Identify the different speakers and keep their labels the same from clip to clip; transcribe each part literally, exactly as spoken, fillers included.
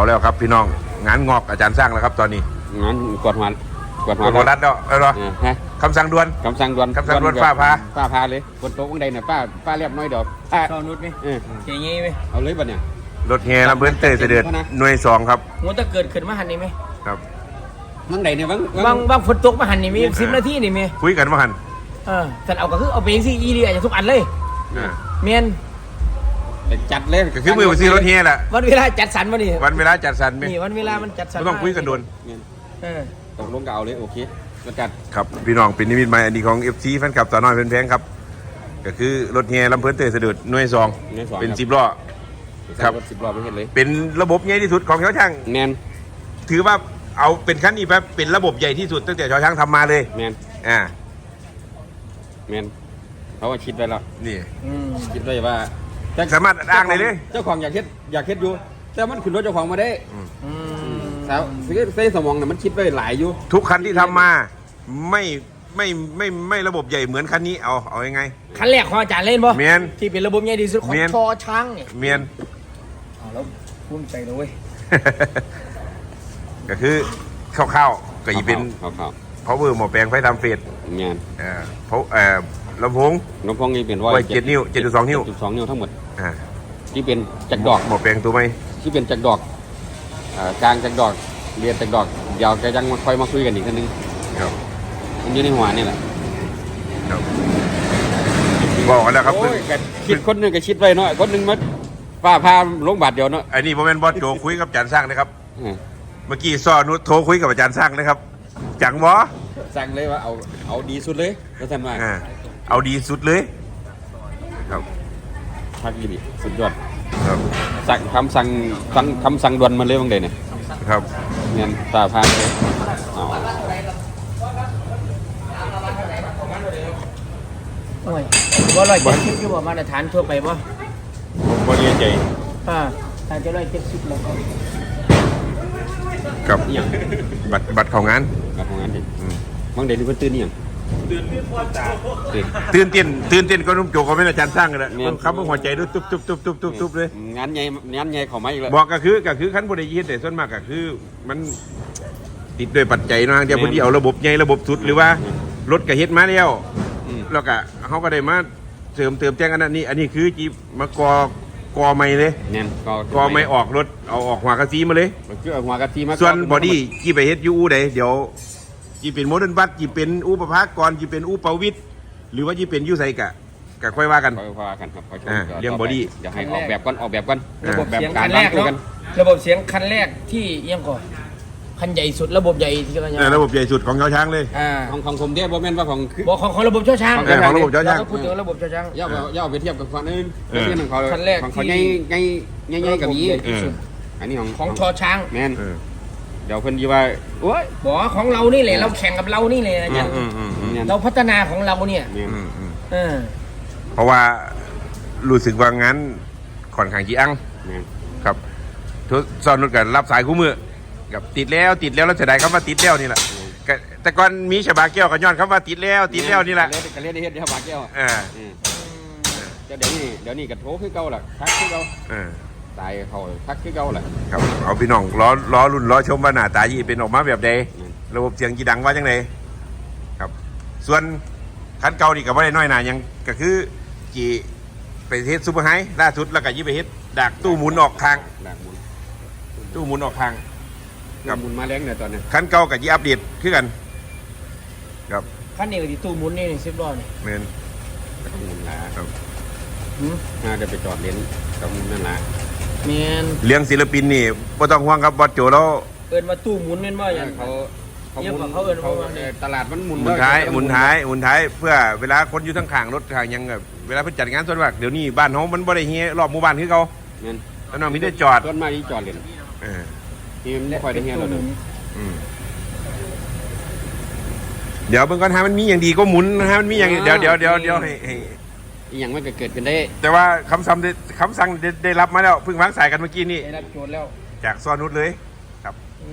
Speaker 1: แล้วครับพี่น้องงานงอกอาจารย์สร้างแล้วครับตอนนี้
Speaker 2: งานกวาดหัวกวาดหั
Speaker 1: ก
Speaker 2: ว
Speaker 1: ดหัวรัดแล้วเออเหรอคำสั่งด่วน
Speaker 2: คำสั่งด่วน
Speaker 1: คำสั่งด่วนฟ้าพา
Speaker 2: ฟ้าพาเลยบนโต๊ะข้างใดเนี่ยป้าป้าเรียบน้อยดอกป้า
Speaker 3: ชอบนุชไหม
Speaker 2: เออ
Speaker 3: เจ๋งงี้ไหม
Speaker 2: เอาเลยบัดเนี่ย
Speaker 1: รถแห่ลำเพื่อนเตยเสด็จหน่วยสองครับ
Speaker 3: งูตะเกิดขึ้นมาหันนี่ไหม
Speaker 1: ครับ
Speaker 2: บางใดเนี่ยบาง
Speaker 3: บางบางฝนตกมาหันนี่มีสิบนาทีนี่มี
Speaker 1: คุยกันว่าหัน
Speaker 3: เออแต่เอาก็คือเอาไปสิอีดีอาจจะทุกอันเลยเมียน
Speaker 2: จัดเลย
Speaker 1: ก็คือมือไปซื้อรถแห่แหละ
Speaker 3: วันเวลาจัดสรรมาดิ
Speaker 1: วันเวลาจัดสรร
Speaker 3: นี่วันเวลามันจัดสรร
Speaker 1: ต้องคุยกันด่วน
Speaker 3: เออ
Speaker 2: ตกลงก็เอาเลยโอเคก็จัด
Speaker 1: ครับพี่น้องเป็นนิมิตใหม่อันนี้ของ เอฟ ซี แฟนคลับสาวน้อยเพลินแพงครับก็คือรถแห่ลำเพื่อนเตยเสด็จหน่วยสองเป็นสิบล้อครับ
Speaker 2: สิบล้อไม่เห็นเลย
Speaker 1: เป็นระบบใหญ่ที่สุดของชาวช่าง
Speaker 2: แมน
Speaker 1: ถือว่าเอาเป็นขั้นนี้แบบเป็นระบบใหญ่ที่สุดตั้งแต่ชาวช่างทำมาเลย
Speaker 2: แมน
Speaker 1: อ่า
Speaker 2: แมนเขาว่าคิดไว้แล้ว
Speaker 1: นี่
Speaker 2: คิดไว้ว่า
Speaker 1: สามารถอ้างเลยเลย
Speaker 2: เจ้าของอยากเฮ็ดอยากเฮ็ดอยู่แต่มันขึ้นรถเจ้าของมาได้สาวเส้นสมองเนี่ยมันคิดไว้หลายอยู่
Speaker 1: ทุกคันที่ทำมาไม่ไม่ไม่ไม่ระบบใหญ่เหมือนคันนี้เอาเอายังไง
Speaker 3: คันแรกของอาจารย์เล่นป่ะ
Speaker 1: เมียน
Speaker 3: ที่เป็นระบบใหญ่ที่สุดของชอช้างเนี่ย
Speaker 1: เมียน
Speaker 3: เอาแล้วภูมิใจเลยเว้ย
Speaker 1: ก็คือข้าวๆก็อีเป็นเพราะเวอร์หมอแปลงไฟทำเฟส
Speaker 2: เมียน
Speaker 1: เอ่อเพราะเอ่อลำโพง
Speaker 2: ลำโพงนี่เป็นว่า
Speaker 1: เจ็ดนิ้วเจ็ดจุดสองนิ้ว
Speaker 2: จุดสองนิ้วทั้งหมด
Speaker 1: อ่า
Speaker 2: ที่เป็นจักรดอก
Speaker 1: หมอแปลงตัวไหม
Speaker 2: ที่เป็นจักรดอกกลางจักรดอกเรียนจักรดอกเดี๋ยวจะยังมาค่อยมาคุยกันอีกทีนึง
Speaker 1: ครับ
Speaker 2: มันอยู่ในหัวนี่แหละ
Speaker 1: ครับบอกกันแล้วครับ
Speaker 2: คิดคนหนึ่งก็คิดไว้เนาะคนหนึ่งมาป้าพาลงบาทเดียวเนาะ
Speaker 1: อันนี้ผมเป็นบอสโจคุยกับอาจารย์สร้างนะครับเมื่อกี้ซ้อนุชโทรคุยกับอาจารย์สร้างนะครับจังวะ
Speaker 2: สั่งเลยว่าเอาเอาดีสุดเลยแล้วท่านว่า
Speaker 1: เอาดีสุดเลยครับ
Speaker 2: พักดีสุดยอดครับสั่งคำสั่งสั่งคำสั่งด่วนมาเลยบางเดเนี่ย
Speaker 1: ครับ
Speaker 2: เงินตาพานเลยอ๋อ
Speaker 3: โอ้ยว่าร้อยเจ็ดสิบคือว่ามาตรฐานทั่วไปป่ะ
Speaker 1: ผมก็เรียนใจ
Speaker 3: อ่าอาจจะร้อยเจ็ดสิบแล้ว
Speaker 1: กับบัตรบัตรของงาน
Speaker 2: บัตรของงานดิบางเดนี่เพิ่นตื่นนี่ยัง
Speaker 1: ตื่นเต้นตื่นเต้นก็นุ่มโจก็ไม่อาจารย์สร้างกันแล้วครับหัวใจด้วยตุ๊บตุ๊บตุ๊บตุ๊บตุ๊บตุ๊บเลย
Speaker 2: งานใหญ่งานใหญ่เข้ามาอีกแล้ว
Speaker 1: บอกก็คือก็คือขั้นบริยีแต่ส่วนมากก็คือมันติดด้วยปัจจัยนะเดี๋ยวพอดีเอาระบบใหญ่ระบบสุดหรือว่ารถกระเฮ็ดมาแล้วแล้วก็เขาก็ได้มาเสริมเติมแจ้งอันนี้อันนี้คือจีมากอกอไม่เลย
Speaker 2: เนี่ย
Speaker 1: กอไม่ออกรถเอาออกหัวกระซีมาเลย
Speaker 2: คือเอาหัวกระซีมา
Speaker 1: ส่วนบอดี้จีไปเฮ็ดยูอูใดเดี๋ยวจีเป็นโมเดิร์นบัสจีเป็นอูประภากรจีเป็นอูประวิทย์หรือว่าจีเป็นยูไซกะกะค่อยว่ากัน
Speaker 2: ค่อยว่ากันครับ
Speaker 1: เรื่องบอดี้
Speaker 2: เดี๋ยวให้ออกแบบก่อนออกแบบก่อน
Speaker 3: ระบบเสียงคันแรกเนาะระบบเสียงคันแรกที่ยังก่อนคันใหญ่สุดระบบใหญ่ที่กัน
Speaker 1: ยังระบบใหญ่สุดของชาวช้างเลย
Speaker 2: ของของผมเทียบโมเมนต์ว่าของ
Speaker 3: บอกของของระบบชาวช้าง
Speaker 1: ของระบบชาวช้าง
Speaker 3: พูดถึงระบบชาวช้าง
Speaker 2: ย่าย่าไปเทียบกับฝั่งนึงเทียบของเขาคันแรกของเขาใหญ่ใหญ่ใหญ่ใหญ่กับนี้อันนี้ของ
Speaker 3: ของชอช้าง
Speaker 2: แมนเดี๋ยวเพิ่นยีว่าโอ้ย
Speaker 3: บอกของเรานี่แหละเราแข่งกับเรานี่เลยอาจารย์เราพัฒนาของเราเนี่ย
Speaker 1: เพราะว่ารู้สึกว่างั้นค่อนข้างจีอังครับทุกซอนนุชกันรับสายคู่มือกับติดแล้วติดแล้วแล้วเสียดายคำว่าติดแล้วนี่แหละแต่ก่อนมีฉบาแก้วกับย้อนคำว่าติดแล้วติดแล้วนี่แหละ
Speaker 2: กันเรียกได้เฮ็ดฉบาแก้วอ่าเดี๋ยวนี้เดี๋ยวนี้กับโถคือเก่าแหละทักคือเก่าตายเขาทักคือเก่าแหละ
Speaker 1: ครับเอาพี่น้องล้อล้อรุ่นล้อชมว่าหน้าตายี่เป็นออกมาแบบใดระบบเสียงจีดังว่าจังไดครับส่วนคันเก่านี่กับว่าได้น้อยหนายังก็คือจีไปเฮ็ดซูเปอร์ไฮล่าสุดแล้วก็ยี่ไปเฮ็ดดักตู้หมุนออกทางตู้หมุนออกทาง
Speaker 2: กับหมุนมาแรงเนี่ยตอนนี้
Speaker 1: คันเก่ากับยี่อัปเดตคือกันครับ
Speaker 3: คันนี้ก็ที่ตู้หมุนนี่สิบล้อนี่
Speaker 1: เมน
Speaker 2: ต้องหมุนละครับน่าจะไปจอดเลนต้องหมุนนั่นละ
Speaker 3: เมน
Speaker 1: เลี้ยงศิลปินนี่ไม่ต้องห่วงครับบอสโจแล้ว
Speaker 3: เอิญมาตู้หมุนเมนว่าอย่าง
Speaker 2: เขา
Speaker 3: เขาเขาเอิญเขา
Speaker 2: ตลาดมันหมุน
Speaker 1: หมุนท้ายหมุนท้ายหมุนท้ายเพื่อเวลาคนอยู่ทั้งข้างรถทางยังแบบเวลาเพิ่งจัดงานส่วนมากเดี๋ยวนี้บ้านเขามันบ่ได้เฮียรอบหมู่บ้านคือเขาแล้วน้องมีได้จอด
Speaker 2: ต้นไม้ที่จอดเลยที่ไม่ค่อยได้เฮียเราเลย
Speaker 1: เดี๋ยวเบิ่งก่อนฮะมันมีอย่างดีก็หมุนนะฮะมันมีอย่างเดี๋ยวเดี๋ยวเดี๋ยวเดี๋ยวให้ให้
Speaker 2: อย่างมันก็เกิดขึ้นได้
Speaker 1: แต่ว่าคำสั่งคำสั่งได้รับมาแล้วเพิ่งวางสายกันเมื่อกี้นี่
Speaker 3: ได้รับโจทย์แล้ว
Speaker 1: จากซอนุชเลยครับ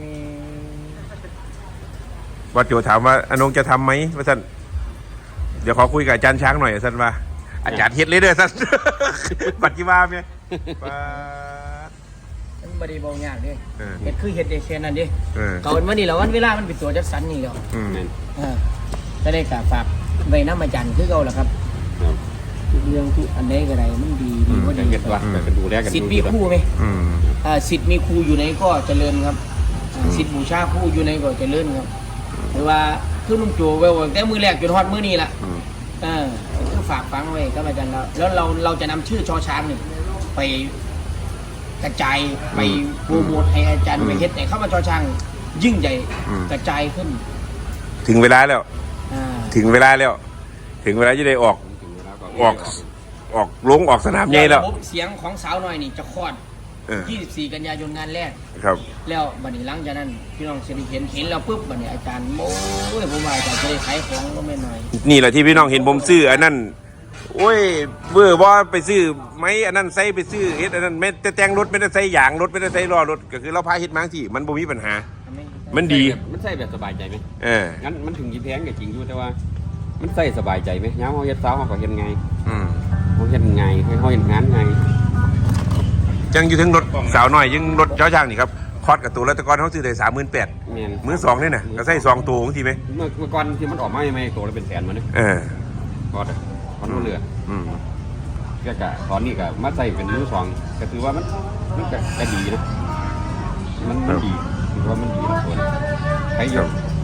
Speaker 1: ว่าโจถามว่าอนงจะทำไหมว่าท่านเดี๋ยวขอคุยกับอาจารย์ช้างหน่อยท่านว่าอาจารย์เฮ็ดเลยเด้อท่านปัจจุบันเนี่ย
Speaker 3: มบ่ได้เบายากเด้
Speaker 1: เออ
Speaker 3: เฮ็ดคือเฮ็ดได้แค่นั้นเด้
Speaker 1: เออ
Speaker 3: เก่าวันนี้แล้ววันเวลามันเป็นตัวจัดสรรนี่แล้ว
Speaker 1: อืม
Speaker 2: แม่น
Speaker 3: เออจะได้กะฝากไว้นำอาจารย์คือเก่าล่ะครับ
Speaker 2: ครับ
Speaker 3: ทุกเรื่องทุกอันใดก็ได้มันดีดีกว่า
Speaker 2: แต่
Speaker 3: ดี
Speaker 2: เก็ดว่าแต่ดูแลกัน
Speaker 3: สิทธิ์
Speaker 2: ดู
Speaker 3: มีครูไหม
Speaker 1: อืม
Speaker 3: อ่าสิทธิ์มีครูอยู่ไหนก็เจริญครับอ่าสิทธิ์บูชาครูอยู่ไหนก็เจริญครับหรือว่าคือลุงโจไว้ว่าแต่มือแรกจนฮอดมือนี้ล่ะ
Speaker 1: อืม
Speaker 3: เออคือฝากฟังไว้ครับอาจารย์แล้วแล้วเราเราจะนำชื่อชอช้างนี่ไปกระจายไปโปรโมทให้อาจารย์ไปเฮ็ดให้เข้ามาชอช้างยิ่งใหญ่กระจายขึ้น
Speaker 1: ถึงเวลาแล้ว
Speaker 3: อ่า
Speaker 1: ถึงเวลาแล้ว ถึงเวลาจะได้ออก
Speaker 2: ถึงเวลาก็
Speaker 1: ออก ออกลงออกสนามใหญ่แล้ว
Speaker 3: ระบบเสียงของสาวน้อยนี่จะคลอด
Speaker 1: เออ
Speaker 3: ยี่สิบสี่ กันยายนงานแรก
Speaker 1: ครับ
Speaker 3: แล้วบัดนี้หลังจากนั้นพี่น้องจะได้เห็นเห็นแล้วปุ๊บบัดนี้อาจารย์โอ้ยผมว่าอาจารย์จะได้ขายของก็ไม่น้อย
Speaker 1: นี่แหละที่พี่น้องเห็นผมซื้ออันนั้นโอ้ยเบื่อว่าไปซื้อไม้อันนั้นใส่ไปซื้อเฮ็ดอันนั้นไม่แต่แต่งรถไม่ได้ใส่ยางรถไม่ได้ใส่ล้อรถก็คือเราพาเฮ็ดมาที่มันบ่มีปัญหา มันดี
Speaker 2: มันใส่แบบสบายใจไหม
Speaker 1: เออ
Speaker 2: งั้นมันถึงยี่แพงก็จริงอยู่แต่ว่า มันใส่สบายใจไหมย้ำเขาเฮ็ดสาวเขาก็เฮ็ดไง
Speaker 1: อืม
Speaker 2: เขาเฮ็ดไงให้เขาเฮ็ดงานไง
Speaker 1: จังอยู่ถึงรถสาวน้อยยังรถเจ้าช่างนี่ครับคอดกับตัวแล้วแตะกอนเขาซื้อได้สามหมื่นแปด
Speaker 2: แม่น
Speaker 1: มือสองนี่น่ะก็ใส่สองตัวบางทีไหม
Speaker 2: เมื่อเมื่อก่อนที่มันออกมาใหม่ๆตัวละเป็นแสนมาเนี่ย
Speaker 1: เออ
Speaker 2: พอดพอดเรือ
Speaker 1: อืม
Speaker 2: ก็กะตอนนี้ก็มาใส่เป็นมือสองก็ถือว่ามันมันก็ก็ดีนะมันมันดีถือว่ามันดีนะส่วนใครเยอะ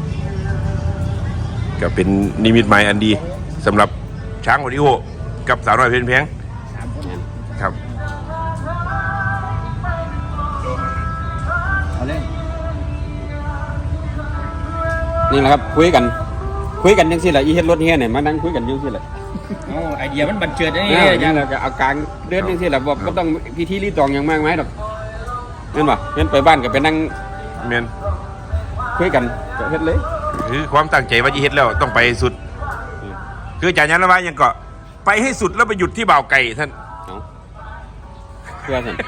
Speaker 1: ก็เป็นนิมิตหมายอันดีสำหรับช้างโอดิโอกับสาวน้อยเพลินแพง
Speaker 3: สามคน
Speaker 2: เนี่ย
Speaker 1: ครับ
Speaker 3: เอาเลย
Speaker 2: นี่แหละครับคุยกัน คุยกันยังสิแหละอีเฮ็ดรถเฮียเนี่ยมานั่งคุยกันยังสิแหละ
Speaker 3: โอ้ไอเดียมันบันเจิดนะ
Speaker 2: นี่
Speaker 3: นี่
Speaker 2: อ
Speaker 3: อาจา
Speaker 2: ย่าร ง
Speaker 3: ย์
Speaker 2: เราก็เอากลางเดือนยังสิแหละบอกก็ต้องพิธีรีตองอย่างมากไหมายดอกเห็นป่ะเห็นไปบ้านก็ไปนั่ง
Speaker 1: เมียน
Speaker 2: คุยกันก็เฮ็ดเลย
Speaker 1: คือความตั้งใจว่าจะเฮ็ดแล้วต้องไปสุด คืออาจารย์ยันละว่ายังก็ไปให้สุดแล้วไปหยุดที่บ่าวไก่ท่าน
Speaker 2: เอาเพื่อสัน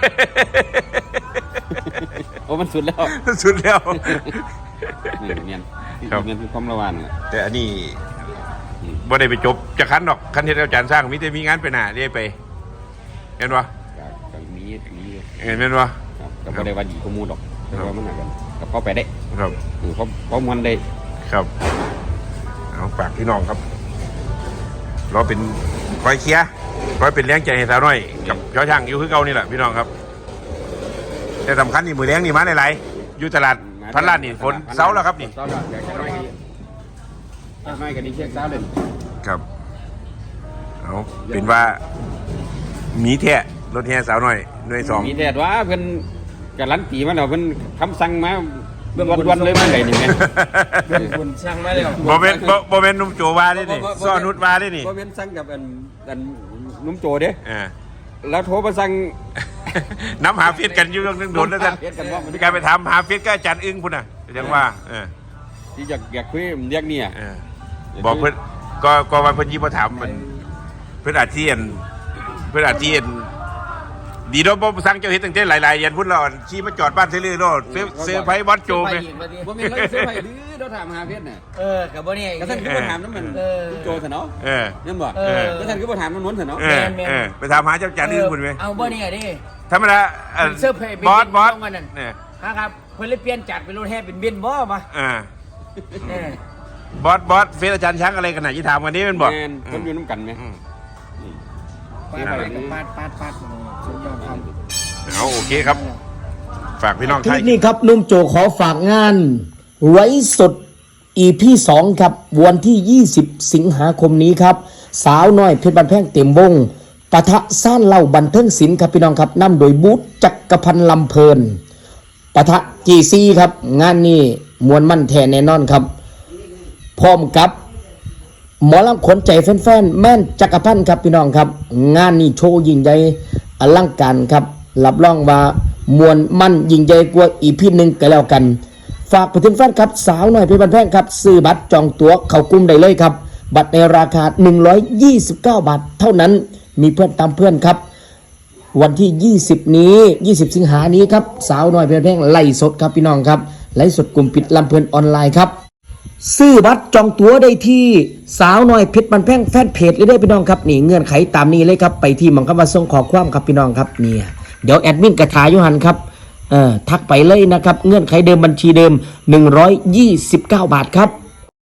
Speaker 2: โอ้มันสุดแล้ว
Speaker 1: สุดแล้ว
Speaker 2: นี่เนียน
Speaker 1: ครับ
Speaker 2: เนียนคือความระวังน่ะ
Speaker 1: แต่อันนี้บ่ได้ไปจบจะคันดอกคันเฮ็ดอาจารย์สร้างมิแต่มีงานไปหน้าเรียไปเห็นปะ
Speaker 2: ก็ก็มีมีอยู่
Speaker 1: เห็นแม่นปะ
Speaker 2: ครับก็บ่ได้ว่าดีข้อมูลดอกแต่ว่ามันน่ากันก็พอไปได้
Speaker 1: ครับ
Speaker 2: อือพอพอมันได้
Speaker 1: ครับเอาฝากพี่น้องครับ เราเป็นคอยเคลียร์คอยเป็นแรงใจให้สาวน้อยกับเจ้าช่างอยู่คือเก่านี่แหละพี่น้องครับ แต่สำคัญนี่มือแรงนี่มาหลายๆอยู่ตลาดพันล้านนี่ฝนเสาแล้วครับนี่
Speaker 2: เสาแล้วเดี๋ยวจะน้อยกันจะน้อยกันนี่เช็คเสาเลย
Speaker 1: ครับเอาเป็นว่ามีแท้รถแห่สาวน้อยหน่วยสอง
Speaker 2: มีแต่ว่าเพิ่นการันตีมาแล้วเพิ่นคำสั่งมาวันๆเลยมันได้นี่แม่
Speaker 3: เรื่องคุณสร้างมาแล้ว
Speaker 1: โมเมนต์โมเมนต์นุ่มโจวาได้นี่ซ้อนุดวาได้นี่
Speaker 2: บ่เป็นสั่งกับอันอันนุ่มโจเด้
Speaker 1: อ่า
Speaker 2: แล้วโทรมาสั่ง
Speaker 1: น้ำหาเฟียดกันอยู่เรื่องนึงโดนแล้วท่าน
Speaker 2: เฮ็ดกันว่ามัน
Speaker 1: มีการไปทำหาเฟียดก็อาจารย์อึ้งพุ่นน่ะยังว่าเออ
Speaker 2: ที่อยากอยากคุยเรียกเนี่ย
Speaker 1: เออบอกเพื่อนก็ก็วันเพื่อนยี่มาถามมันเพื่อนอาเจียนเพื่อนอาเจียนดีเนาะบ่สั่งเจ้าเฮ็ดตั้งแต่หลายๆยันพุ่นเราขี่มาจอดบ้านเซลือโลดเซเซอร์ไพรส์บอสโจไง
Speaker 2: บ่มีเลยเสื้อผ้าดื้อเราถามหาเพชรน่ะ
Speaker 3: เออกับบ่เนี่ย
Speaker 2: ก็ท่านก็บ่ถามน้ำมัน
Speaker 3: เออ
Speaker 2: นุ่มโจซะเนาะ
Speaker 1: เออ
Speaker 2: นั่นบ่
Speaker 3: เออ
Speaker 2: ก็ท่านก็บ่ถามมันนวลซะเนาะ
Speaker 1: เออเออไปถามหาเจ้าจานอื่นพุ่นไหม
Speaker 3: เอาบ่เนี่ยดิ
Speaker 1: ธรรมดาเอ่อ
Speaker 3: เสื้อเพลย์
Speaker 1: บอสบอส
Speaker 3: เป็นนั่น
Speaker 1: เนี่ย
Speaker 3: นะครับเพิ่นเลยเปลี่ยนจากเป็นรถแห่เป็นเบนซ์บ่มา
Speaker 1: อ่า
Speaker 3: เออบ
Speaker 1: อสบอสเฟซอาจารย์ช้างอะไรกันไหนะที่ถามกันนี้เป็นบอก
Speaker 2: แม่นคนอยู่น้ำกันไหม
Speaker 1: อืม
Speaker 3: ปาดไปกับปาดปาดปาดสุดยอดครับ
Speaker 1: เอาโอเคครับ ฝากพี่น้อง
Speaker 4: ค
Speaker 1: ไท
Speaker 4: ลิ
Speaker 1: ย
Speaker 4: ปนี้ครับนุ่มโจขอฝากงานไว้สด อี พี สองครับวันที่ ยี่สิบ สิงหาคมนี้ครับ สาวน้อยเพชรบันแพงเต็มวงปะทะซ่านเล่าบันเทิงศิลป์ครับพี่น้องครับนำโดยบูธจักรพันธ์ลำเพลินปะทะ จี ซี ครับงานนี้มวลมั่นแท้แน่นอนครับ พร้อมกับหมอลำขนใจแฟนๆแม่นจักรพันธ์ครับพี่น้องครับ งานนี้โชว์ยิ่งใหญ่อลังการครับรับรองว่ามวลมั่นยิ่งใหญ่กว่าอีพีหนึ่งก็แล้วกัน ฝากไปถึงแฟนครับสาวหน่อยเพชรบันแพงครับซื้อบัตรจองตั๋วเข้ากลุ่มได้เลยครับ บัตรในราคาหนึ่งร้อยยี่สิบเก้าบาทเท่านั้นมีเพื่อนตามเพื่อนครับ วันที่ ยี่สิบ นี้ ยี่สิบ สิงหานี้ครับสาวน้อยเพชรบันแพงไล่สดครับพี่น้องครับไล่สดกลุ่มปิดลำเพลินออนไลน์ครับซื้อบัตรจองตั๋วได้ที่สาวน้อยเพชรบันแพงแฟนเพจเลยได้พี่น้องครับนี่เงื่อนไขตามนี้เลยครับไปที่หมังคำว่าส่งขอความครับพี่น้องครับเนี่ยเดี๋ยวแอดมินกระถายอยู่หันครับเออทักไปเลยนะครับเงื่อนไขเดิมบัญชีเดิมหนึ่งร้อยยี่สิบเก้าบาทครับ